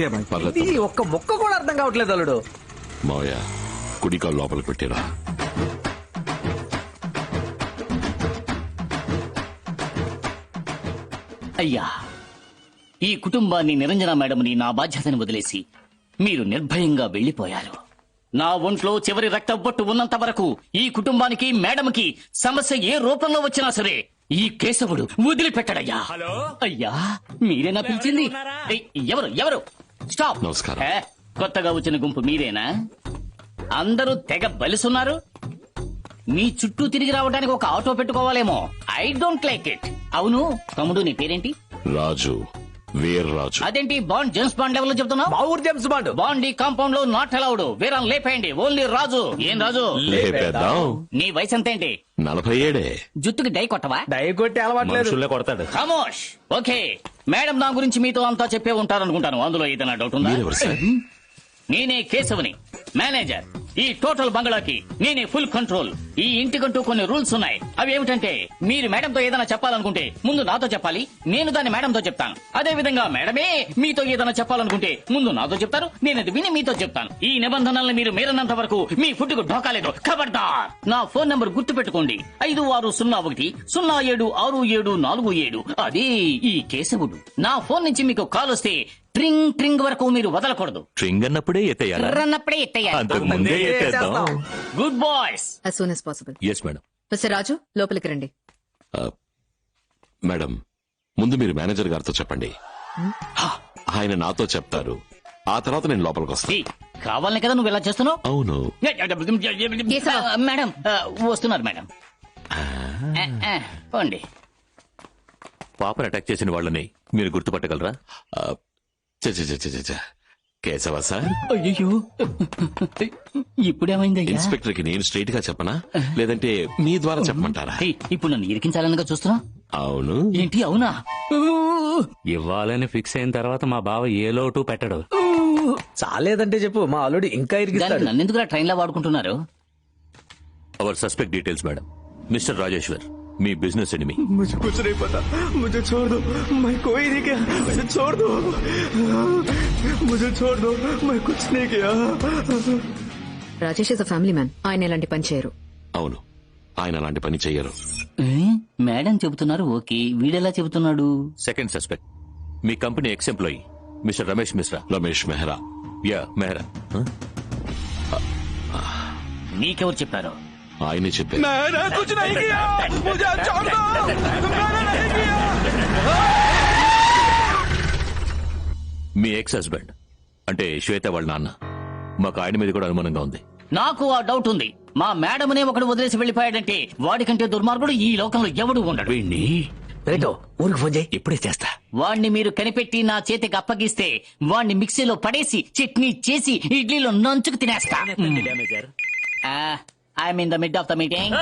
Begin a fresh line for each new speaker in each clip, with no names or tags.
పర్లేదు
ఇది ఒక్క మొక్క కూడా అర్థం కావట్లేదు అల్లుడు.
మావయ్య కుడికాలు లోపలికి పెట్టిరా.
అయ్యా, ఈ కుటుంబాన్ని నిరంజన మేడంని నా బాధ్యతని వదిలేసి మీరు నిర్భయంగా వెళ్లిపోయారు. నా ఒంట్లో చివరి రక్త బొట్టు ఉన్నంత వరకు ఈ కుటుంబానికి మేడంకి సమస్య ఏ రూపంలో వచ్చినా సరే ఈ కేశవుడు వదిలిపెట్టడయ్యా. అయ్యా, మీరేనా పిలిచింది? ఏయ్, ఎవరు ఎవరు? స్టాప్.
నమస్కారం.
కొత్తగా వచ్చిన గుంపు మీరేనా? అందరూ తెగ బలిసున్నారు. మీ చుట్టూ తిరిగి రావడానికి ఒక ఆటో పెట్టుకోవాలేమో. I don't like it. అవును తమ్ముడు, నీ పేరేంటి?
రాజు, వీర్రాజు.
అదేంటి బాండ్ జేమ్స్ బాండ్ లెవెల్ లో చెప్తున్నావు?
మా ఊరు జేమ్స్ బాండ్.
బాండ్ ఈ కాంపౌండ్ లో నాట్ అలౌడ్. వీరం లేపేయండి, ఓన్లీ రాజు. ఏం రాజు,
లేపేద్దాం.
నీ వయసు ఎంతేంటి?
47.
జుట్టుకి డై కొట్టవా?
డై కొట్టి అలవాట్లేదు.
కొడతాడు.
ఖమోష్. ఓకే, మేడం నా గురించి మీతో అంతా చెప్పే ఉంటారనుకుంటాను. అందులో ఏదైనా డౌట్ ఉందా?
మీరెవరు సార్?
నేనే కేశవుని, మేనేజర్. ఈ టోటల్ బంగ్లాకి నేనే ఫుల్ కంట్రోల్. ఈ ఇంటికంటూ కొన్ని రూల్స్ ఉన్నాయి. అవి ఏమిటంటే, మీరు మేడంతో ఏదైనా చెప్పాలనుకుంటే ముందు నాతో చెప్పాలి, నేను దాన్ని మేడంతో చెప్తాను. అదే విధంగా మేడమే మీతో ఏదైనా చెప్పాలనుకుంటే ముందు నాతో చెప్తారు, నేను అది విని మీతో చెప్తాను. ఈ నిబంధనల్ని మీరు మీరన్నంత వరకు మీ ఫుడ్ కు ఢోకాలేదు. ఖబర్దార్. నా ఫోన్ నంబర్ గుర్తు పెట్టుకోండి, 5601-0766747. అదే ఈ కేశవుడు. నా ఫోన్ నుంచి మీకు కాల్ వస్తే ట్రింగ్ ట్రింగ్ వరకు మీరు వదలకూడదు.
ట్రింగ్ అన్నప్పుడే ఎత్తేయాలా?
అన్నప్పుడే ఎత్తయ్యాలి.
అంతకు ముందే ఎత్తేద్దాం.
Good boys.
as soon as possible.
Yes madam.
Mister Raju, లోపలికి రండి.
మేడం, ముందు మీరు మేనేజర్ గారితో చెప్పండి. ఆయన నాతో చెప్తారు, ఆ తర్వాత నేను లోపలికి వస్తాను.
కావాలనే కదా నువ్వు ఇలా చేస్తున్నావు?
అవును.
మేడం వస్తున్నారు మేడం. పోండి.
పాపను అటాక్ చేసిన వాళ్ళని మీరు గుర్తుపట్టగలరా?
కేశవ సార్.
అయ్యో, ఇప్పుడేమైందయ్యా?
ఇన్స్పెక్టర్ కి నేను స్ట్రైట్ గా చెప్పనా, లేదంటే మీ ద్వారా చెప్పమంటారా?
ఇప్పుడు నన్ను ఇరికించాలనగా చూస్తున్నా?
అవును.
ఏంటి అవునా?
ఇవ్వాలని ఫిక్స్ అయిన తర్వాత మా బావ ఏ లోటు పెట్టడు.
చాలేదంటే చెప్పు, మా అల్లుడు ఇంకా ఇరిగిస్తాడు.
నన్ను ఎందుకు ట్రైన్ లో వాడుకుంటున్నారు?
Our suspect details madam. Mister Rajeshwar, మీ బిజినెస్ ఎనిమి.
मुझे कुछ नहीं पता, मुझे छोड़ दो, मैं कोई नहीं किया, मुझे छोड़ दो, मुझे छोड़ दो, मैं कुछ नहीं किया.
Rajesh is a family man. ఆయన ఎలాంటి పని చేయరు.
అవును, ఆయన అలాంటి పని చెయ్యరు.
మేడం చెబుతున్నారు ఓకే, వీడెలా చెబుతున్నాడు?
సెకండ్ సస్పెక్ట్ మీ company ex employee mister Ramesh Mishra.
Ramesh Mehra.
Yeah Mehra.
నీకెవరు చెప్పారు?
ఆయనే చెప్పారు.
मैंने कुछ नहीं किया, मुझे छोड़ दो, मैंने नहीं किया.
మీ ఎక్స్ హస్బెండ్ అంటే శ్వేత వాళ్ళ నాన్న. మాకు ఆయన మీద కూడా అనుమానంగా ఉంది.
నాకు ఆ డౌట్ ఉంది. మా మేడమనే ఒకడు వదిలేసి వెళ్లిపోయాడంటే వాడికంటే దుర్మార్గుడు ఈ లోకంలో ఎవడు ఉండడు.
వీణ్ణి
రేటో ఊరికి ఫోన్ చేయి.
ఇప్పుడే చేస్తా.
వాణ్ణి మీరు కనిపెట్టి నా చేతికి అప్పగిస్తే వాణ్ణి మిక్సీలో పడేసి చట్నీ చేసి ఇడ్లీలో నంచుకు తినేస్తా. I'm in the mid of the meeting.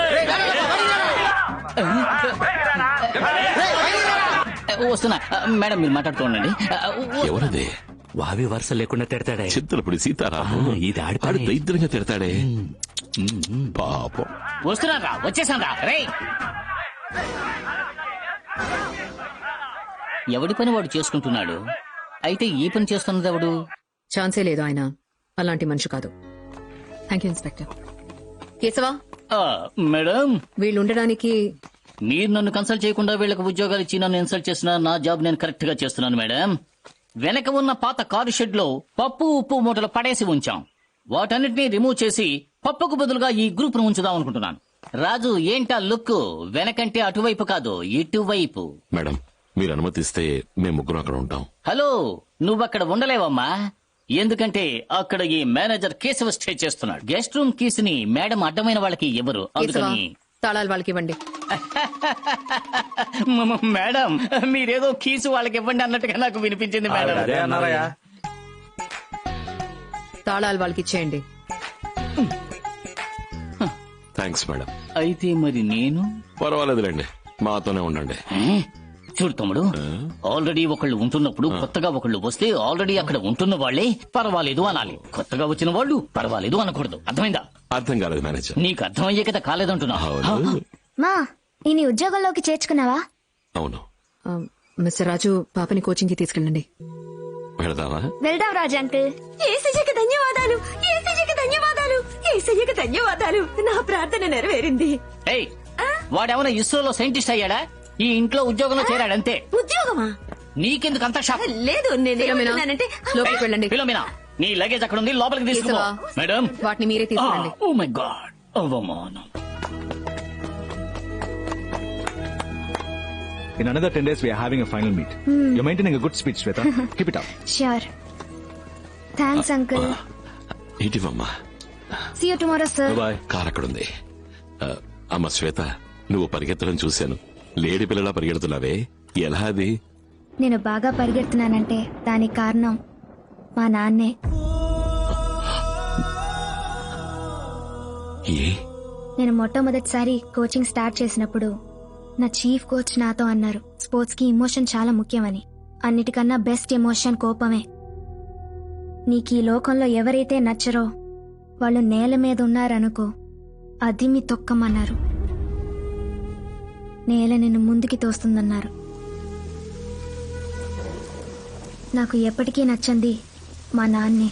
వస్తున్నా మేడం, మీరు మాట్లాడుతూ
ఎవరదే?
వావి వరుస లేకుండా తిడతాడే.
చింతలపూడి సీతారాము.
ఇది
ఆడు దరిద్రంగా తిడతాడే పాపం.
వస్తున్నారా? వచ్చేసారా? రే, ఎవడి పని వాడు చేసుకుంటున్నాడు. అయితే ఈ పని చేస్తున్నది ఎవడు?
ఛాన్సే లేదు, ఆయన అలాంటి మనిషి కాదు. Thank you inspector. Keshava,
madam,
వీళ్ళు ఉండడానికి
మీరు నన్ను కన్సల్ట్ చేయకుండా వీళ్ళకి ఉద్యోగాలు ఇచ్చి నన్ను ఇన్సల్ట్ చేసిన నా జాబ్ నేను కరెక్ట్ గా చేస్తున్నాను మేడం. వెనక ఉన్న పాత కారు షెడ్ లో పప్పు ఉప్పు మూటలు పడేసి ఉంచాం. వాటన్నిటినీ రిమూవ్ చేసి పప్పుకు బదులుగా ఈ గ్రూప్ ను ఉంచుదాం అనుకుంటున్నాను. రాజు, ఏంటా లుక్? వెనకంటే అటువైపు కాదు, ఇటువైపు.
మేడం, మీరు అనుమతిస్తే మేము ముగ్గురు అక్కడ ఉంటాం.
హలో, నువ్వక్కడ ఉండలేవమ్మా. ఎందుకంటే అక్కడ ఈ మేనేజర్ కేశవ స్టే చేస్తున్నాడు. గెస్ట్ రూమ్ కీస్ ని మేడం అడ్డమైన వాళ్ళకి ఇవ్వరు.
కేశవా,
అందుకని
తాళాలు వాళ్ళకి ఇవ్వండి.
మేడం, మీరేదో కీసు వాళ్ళకి ఇవ్వండి అన్నట్టుగా నాకు వినిపించింది మేడం.
అదే అన్నారయ్యా.
తాళాలు వాళ్ళకి ఇచ్చేయండి.
Thanks madam.
అయితే మరి నేను?
పర్వాలేదులేండి, మాతోనే ఉండండి.
చూడు తమ్ముడు, ఆల్రెడీ ఒకళ్ళు ఉంటున్నప్పుడు కొత్తగా ఒకళ్ళు వస్తే ఆల్రెడీ అక్కడ ఉంటున్న వాళ్లే పర్వాలేదు అనాలి. కొత్తగా వచ్చిన వాళ్ళు పర్వాలేదు అనకూడదు. అర్థమైందా?
అర్థం కాలేదు మేనేజర్.
నీకు అర్థమయ్యే కదా కాలేదంటున్నా.
అవును.
మా ఈ ఉద్యోగంలోకి చేర్చుకున్నావా?
అవును.
మిస్టర్ రాజు, పాపని కోచింగ్ కి తీసుకెళ్ళండి.
వెళదామా?
వెళ్దాం రాజు అంకుల్.
ఏసయ్యకి ధన్యవాదాలు, ఏసయ్యకి ధన్యవాదాలు, ఏసయ్యకి ధన్యవాదాలు. నా ప్రార్థన నెరవేరింది.
ఏయ్ వాడేమైనా ఇస్రోలో సైంటిస్ట్ అయ్యాడా? ఈ ఇంట్లో ఉద్యోగంలో చేరాడంతే.
ఉద్యోగమా?
నీకెందుకు అంత షాక్?
లేదు, నేనేమంటున్నానంటే
లోపలికి వెళ్ళండి.
ఫిలోమినా, నీ లగేజ్ అక్కడ ఉంది, లోపలికి తీసుకో.
కేశవా,
మేడం,
వాటిని మీరే తీసుకురండి.
ఓ మై గాడ్, అవమానం.
In another 10 days, we are having a final meet. You're maintaining a good speech, Shweta. Keep it up.
Sure. Thanks uncle.
ఇటీవమ్మా.
See you tomorrow sir.
Bye.
Car అక్కడుంది. అమ్మ శ్వేత, నువ్వు పరిగెత్తడం చూశాను. లేడీ పిల్లలా పరిగెడుతున్నావే, ఎలా అది?
నేను బాగా పరిగెడుతున్నానంటే దానికి కారణం మా నాన్నే.
ఏ?
నేను మొట్టమొదటిసారి కోచింగ్ స్టార్ట్ చేసినప్పుడు నా చీఫ్ కోచ్ నాతో అన్నారు, స్పోర్ట్స్ కి ఇమోషన్ చాలా ముఖ్యమని. అన్నిటికన్నా బెస్ట్ ఎమోషన్ కోపమే. నీకు ఈ లోకంలో ఎవరైతే నచ్చరో వాళ్ళు నేల మీద ఉన్నారనుకో, అది మీ తొక్కమన్నారు. నేల నిన్ను ముందుకి తోస్తుందన్నారు. నాకు ఎప్పటికీ నచ్చంది మా నాన్నే.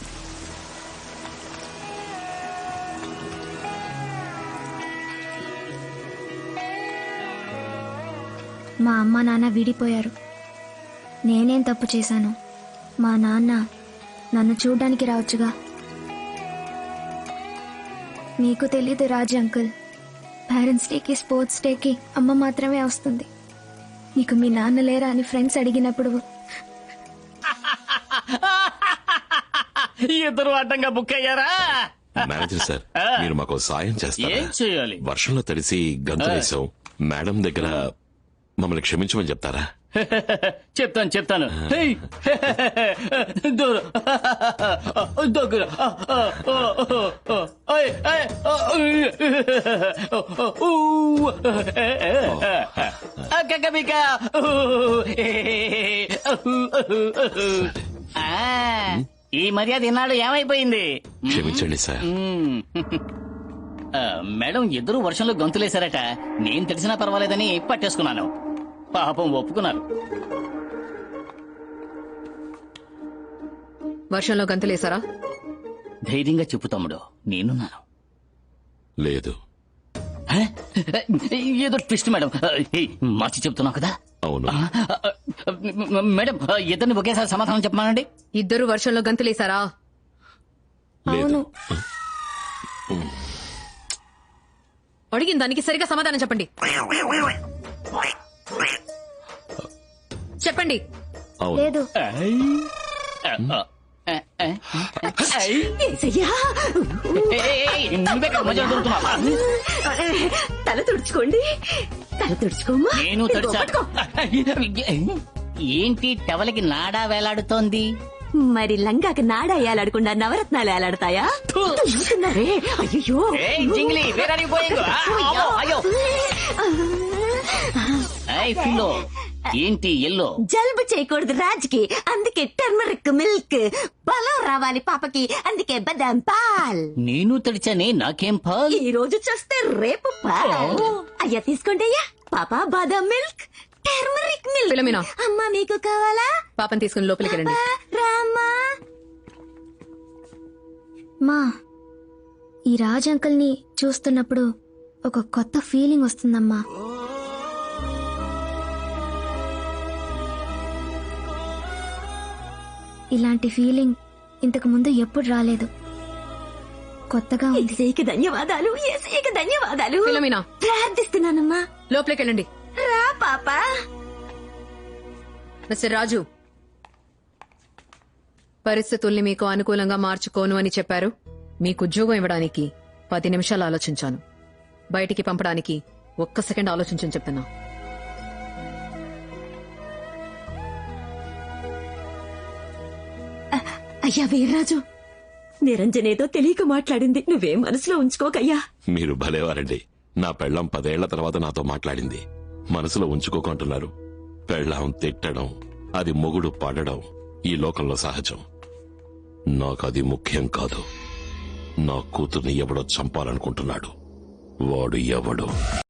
మా అమ్మ నాన్న విడిపోయారు. నేనేం తప్పు చేశాను? మా నాన్న నన్ను చూడ్డానికి రావచ్చుగా. మీకు తెలీదు రాజు అంకుల్, పేరెంట్స్ డేకి స్పోర్ట్స్ డేకి అమ్మ మాత్రమే వస్తుంది. నీకు మీ నాన్న లేరా అని ఫ్రెండ్స్ అడిగినప్పుడు
ఇద్దరు అడ్డంగా బుక్ అయ్యారా?
మేనేజర్ సార్, మీరు మాకు సాయం చేస్తారా?
ఏం చేయాలి?
వర్షంలో తడిసి గంతులేసాం. మేడం దగ్గర మమ్మల్ని క్షమించమని చెప్తారా?
చెప్తాను. హేయ్! దూరం. దగ్గర. ఏయ్, ఏయ్, కక్కబిక్క. ఈ మర్యాద ఈనాడు ఏమైపోయింది?
క్షమించండి సార్.
మేడం ఇద్దరు వర్షంలో గొంతులేశారట. నేను తెలిసినా పర్వాలేదని పట్టేసుకున్నాను. పాపం ఒప్పుకున్నారు.
వర్షంలో గంతులేసారా?
ధైర్యంగా చెప్పు తమ్ముడు, నేనున్నాను.
లేదు.
హే? ఏదో ట్విస్ట్ మేడం. మార్చి చెప్తున్నావు కదా.
అవును.
మేడం ఇద్దరిని ఒకేసారి సమాధానం చెప్పమానండి.
ఇద్దరు వర్షంలో గంతులేసారా?
లేదు.
అడిగిన దానికి సరిగా సమాధానం చెప్పండి. చెప్పండి.
అవును.
లేదు.
ఏసయ్యా,
నువ్వెక్కడ మధ్యలో దొరుకుతున్నావా?
తల తుడుచుకోండి, తల తుడుచుకోమ్మా.
నేను తడిచా. ఏంటి టవలకి నాడా వేలాడుతోంది?
మరి లంగాకి నాడ ఏలాడకుండా నవరత్నాలు ఏలాడతాయా? చూస్తున్నారే, అయ్యో.
జింగిలి అయ్యో. ఫిలో ఏంటి ఎల్లో?
జలుబు చేయకూడదు రాజుకి, అందుకే టర్మరిక్ మిల్క్. బలం రావాలి పాపకి, అందుకే బదాం పాల్.
నేను తడిచానే, నాకేం పాల్?
ఈ రోజు చూస్తే రేపు పాల్. అయ్యా తీసుకోండి అయ్యా. పాప బాదం మిల్క్, టర్మరిక్ మిల్క్.
ఫిలోమినా,
అమ్మా మీకు కావాలా?
పాపని తీసుకుని లోపలికి రండి.
రామ్మా.
మా ఈ రాజ్ అంకుల్ ని చూస్తున్నప్పుడు ఒక కొత్త ఫీలింగ్ వస్తుందమ్మా. ఇలాంటి ఫీలింగ్ ఇంతకు ముందు ఎప్పుడు రాలేదు. కొత్తగా ఉంది.
ఏసయ్యకి ధన్యవాదాలు, ఏసయ్యకి ధన్యవాదాలు.
ఫిలోమినా,
ప్రార్థిస్తున్నానమ్మా.
లోపలికి వెళ్ళండి.
రా పాపా.
మిస్టర్ రాజు, పరిస్థితుల్ని మీకు అనుకూలంగా మార్చుకోను అని చెప్పారు. మీకు ఉద్యోగం ఇవ్వడానికి 10 నిమిషాలు ఆలోచించాను. బయటికి పంపడానికి 1 సెకండ్ ఆలోచించని చెప్తున్నా.
అయ్యా వీర్రాజు, నిరంజనేదో తెలియక మాట్లాడింది, నువ్వేం మనసులో ఉంచుకోకయ్యా.
మీరు భలేవారండి. నా పెళ్ళం 10 ఏళ్ల తర్వాత నాతో మాట్లాడింది. మనసులో ఉంచుకోకుంటున్నారు. పెళ్ళం తిట్టడం, అది మొగుడు పడడం ఈ లోకంలో సహజం. నాకది ముఖ్యం కాదు. నా కూతుర్ని ఎవడో చంపాలనుకుంటున్నాడు. వాడు ఎవడు?